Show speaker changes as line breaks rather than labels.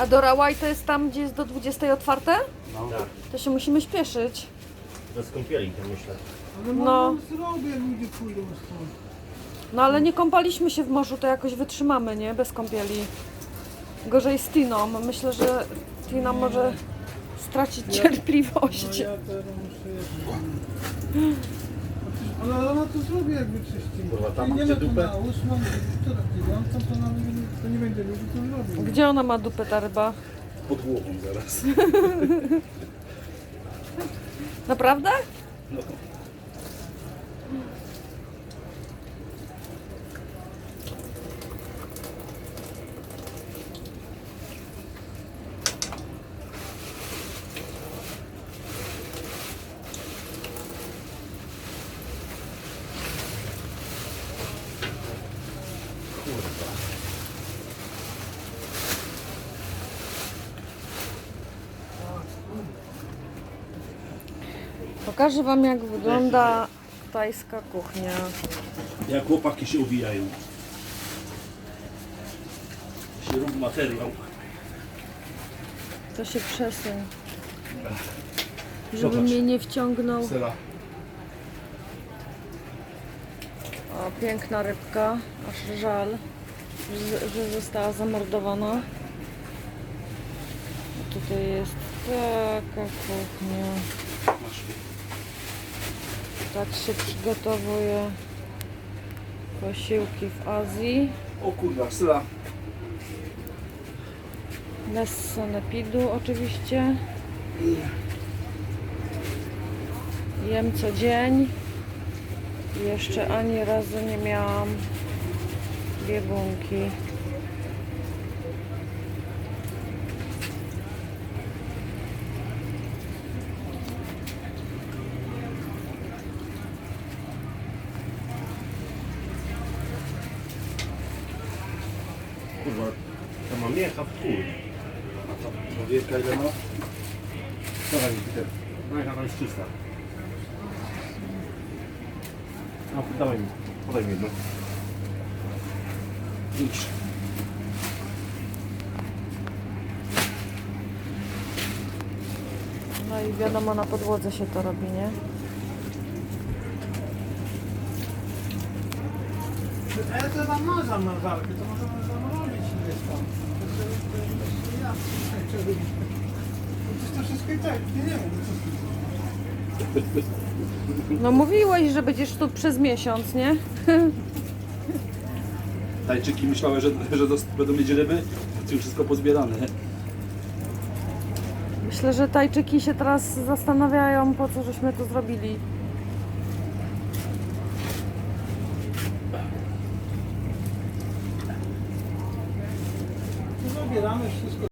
A do Rawaj to jest tam, gdzie jest do 20 otwarte?
No.
Tak,
To się musimy śpieszyć.
bez kąpieli to myślę.
Ale
No.
no. Zrobię, ludzie pójdą stąd.
No ale nie kąpaliśmy się w morzu, to jakoś wytrzymamy, nie? Bez kąpieli. Gorzej z Tiną. Myślę, że Tina może stracić cierpliwość.
No ja teraz muszę jeszcze... Ale ona to zrobi, jak wyczyści.
Kurwa, tam
Nie
gdzie
ma tu
dupę?
na 8, która tygodnia, to nawet to nie będzie ludzi, to zrobi.
Gdzie ona ma dupę, ta ryba?
Pod głową zaraz.
Naprawdę?
No. Kurwa.
Pokażę wam, jak wygląda tajska kuchnia.
Jak chłopaki się uwijają. Się rób materiał.
To się przesuń. Żeby
Zobacz.
mnie nie wciągnął.
Sera.
O, piękna rybka. Aż żal, że została zamordowana. A tutaj jest taka kuchnia.
Masz.
Tak się przygotowuje posiłki w Azji.
O kurwa, sera.
Bez sanepidu oczywiście. Jem co dzień. I jeszcze ani razu nie miałam biegunki.
Kurwa, to ma miecha w chuj. A to wielka ile ma? Dawaj mi Peter. Miecha tam jest czysta. No, dawaj mi. Podaj mi jedno. Idź.
No i wiadomo, na podłodze się to robi, nie?
A ja to tam mam zamrażarkę, to możemy zamrozić gdzieś tam. To wszystko i tak, nie wiem, co
No mówiłeś, że będziesz tu przez miesiąc, nie?
Tajczyki myślały, że będą mieć ryby, to już wszystko pozbierane.
Myślę, że Tajczyki się teraz zastanawiają, po co żeśmy to zrobili.
zabieramy wszystko.